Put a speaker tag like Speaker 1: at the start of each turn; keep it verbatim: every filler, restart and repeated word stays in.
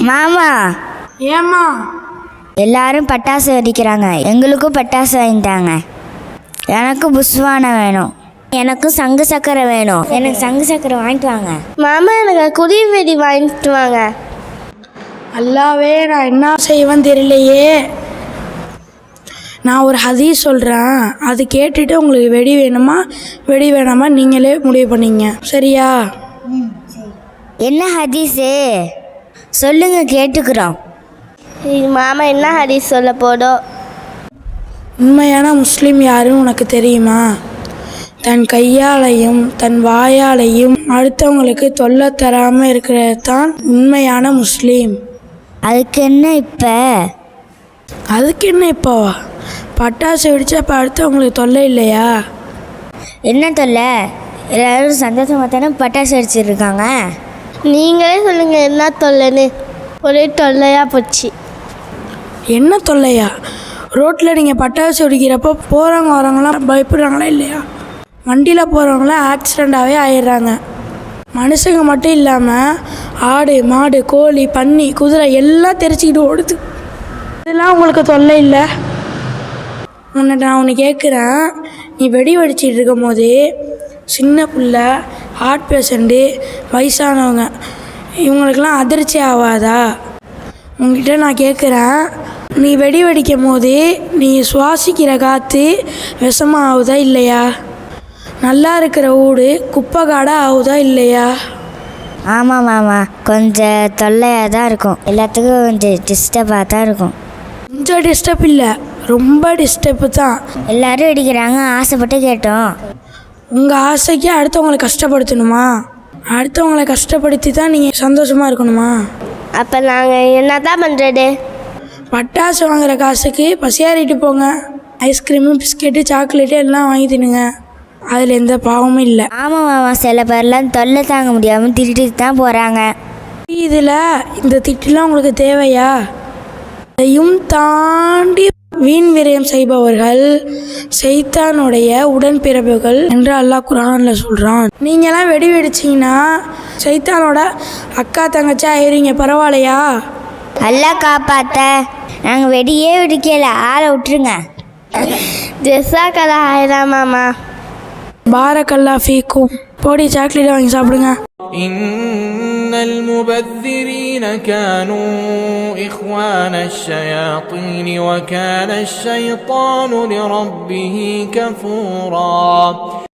Speaker 1: மாமா.
Speaker 2: ஏம்மா?
Speaker 1: எல்லாரும் பட்டாசு வெடிக்கிறாங்க, எங்களுக்கும் பட்டாசு வாங்கிட்டாங்க. எனக்கு புஷ்வானம் வேணும், எனக்கும் சங்கு சக்கரை வேணும். எனக்கு சங்கு சக்கரை வாங்கிட்டு வாங்க.
Speaker 3: மாமா எனக்கு குடி வெடி வாங்கிட்டு வாங்க.
Speaker 2: அல்லாவே, நான் என்ன செய்வேன்னு தெரியலையே. நான் ஒரு ஹதீஸ் சொல்கிறேன், அது கேட்டுட்டு உங்களுக்கு வெடி வேணுமா வெடி வேணாமா நீங்களே முடிவு பண்ணிங்க, சரியா?
Speaker 1: என்ன ஹதீஸு சொல்லுங்க, கேட்டுக்கிறோம்.
Speaker 3: மாமா என்ன ஹதீஸ் சொல்ல போதோ?
Speaker 2: உண்மையான முஸ்லீம் யாருன்னு உனக்கு தெரியுமா? தன் கையாலையும் தன் வாயாலையும் அடுத்தவங்களுக்கு தொல்லை தராமல் இருக்கிறது தான் உண்மையான முஸ்லீம்.
Speaker 1: அதுக்கு என்ன இப்போ?
Speaker 2: அதுக்கு என்ன இப்போவா? பட்டாசு வெடிச்சா இப்போ அடுத்தவங்களுக்கு தொல்லை இல்லையா?
Speaker 1: என்ன தொல்லை? எல்லோரும் சந்தோஷமாக தானே பட்டாசு வெடிச்சிருக்காங்க.
Speaker 3: நீங்களே சொல்லுங்கள் என்ன தொல்லைன்னு. ஒரே தொல்லையாக போச்சு.
Speaker 2: என்ன தொல்லையா? ரோட்டில் நீங்கள் பட்டாசு வெடிக்கிறப்போ போகிறவங்க வரவங்களாம் பயப்படுறாங்களா இல்லையா? வண்டியில் போகிறவங்களாம் ஆக்சிடெண்ட்டாகவே ஆயிடுறாங்க. மனுஷங்க மட்டும் இல்லாமல் ஆடு மாடு கோழி பன்னி குதிரை எல்லாம் தெரிச்சிக்கிட்டு ஓடுது. இதெல்லாம் உங்களுக்கு தொல்லை இல்லை? உன்னை நான் ஒன்று கேட்குறேன், நீ வெடி வெடிச்சிட்டு இருக்கும் போது சின்ன பிள்ளை, ஹார்ட் பேஷண்ட்டு, வயசானவங்க இவங்களுக்கெல்லாம் அதிர்ச்சி ஆகாதா? உங்ககிட்ட நான் கேட்குறேன், நீ வெடி வெடிக்கும் போது நீ சுவாசிக்கிற காற்று விஷமாக ஆகுதா இல்லையா? நல்லா இருக்கிற வீடு குப்பை காடாக ஆகுதா இல்லையா?
Speaker 1: ஆமாம் மாமா, கொஞ்சம் தொல்லையாக தான் இருக்கும், எல்லாத்துக்கும் கொஞ்சம் டிஸ்டர்பாக தான் இருக்கும்.
Speaker 2: கொஞ்சம் டிஸ்டர்ப் இல்லை, ரொம்ப டிஸ்டர்ப்பு தான்.
Speaker 1: எல்லோரும் வெடிக்கிறாங்க, ஆசைப்பட்டு கேட்டோம்.
Speaker 2: உங்கள் ஆசைக்கு அடுத்தவங்களை கஷ்டப்படுத்தணுமா? அடுத்தவங்களை கஷ்டப்படுத்தி தான் நீங்கள் சந்தோஷமாக இருக்கணுமா?
Speaker 3: அப்போ நாங்கள் என்ன தான் பண்ணுறது?
Speaker 2: பட்டாசு வாங்குகிற காசுக்கு பசியாறிட்டு போங்க. ஐஸ்கிரீமு பிஸ்கெட்டு சாக்லேட்டு எல்லாம் வாங்கி தின்னுங்க, அதில் எந்த பாவமும் இல்லை.
Speaker 1: ஆமாம் மாமா, சில பேர்லாம் தொல்லை தாங்க முடியாமல் திட்டிட்டு தான் போகிறாங்க.
Speaker 2: இதில் இந்த திட்டுலாம் உங்களுக்கு தேவையா? அதையும் தாண்டி வீண் விரயம் செய்பவர்கள் சைத்தானுடைய உடன்பிறப்புகள் என்று அல்லாஹ் குர்ஆனில் சொல்கிறான். நீங்களாம் வெடி வெடிச்சிங்கன்னா சைத்தானோட அக்கா தங்கச்சி ஆயிடுவீங்க, பரவாயில்லையா?
Speaker 1: அல்லாஹ் காப்பாற்ற. நாங்கள் வெடியே வெடிக்கல, ஆளை விட்டுருங்க.
Speaker 3: ஜெஸாக்கலா ஆயிரம் மாமா.
Speaker 2: பாரக்கல்லா ஃபீக்கும். போடி சாக்லேட் வாங்கி சாப்பிடுங்க.
Speaker 4: إن المبذرين كانوا إخوان الشياطين وكان الشيطان لربه كفورا.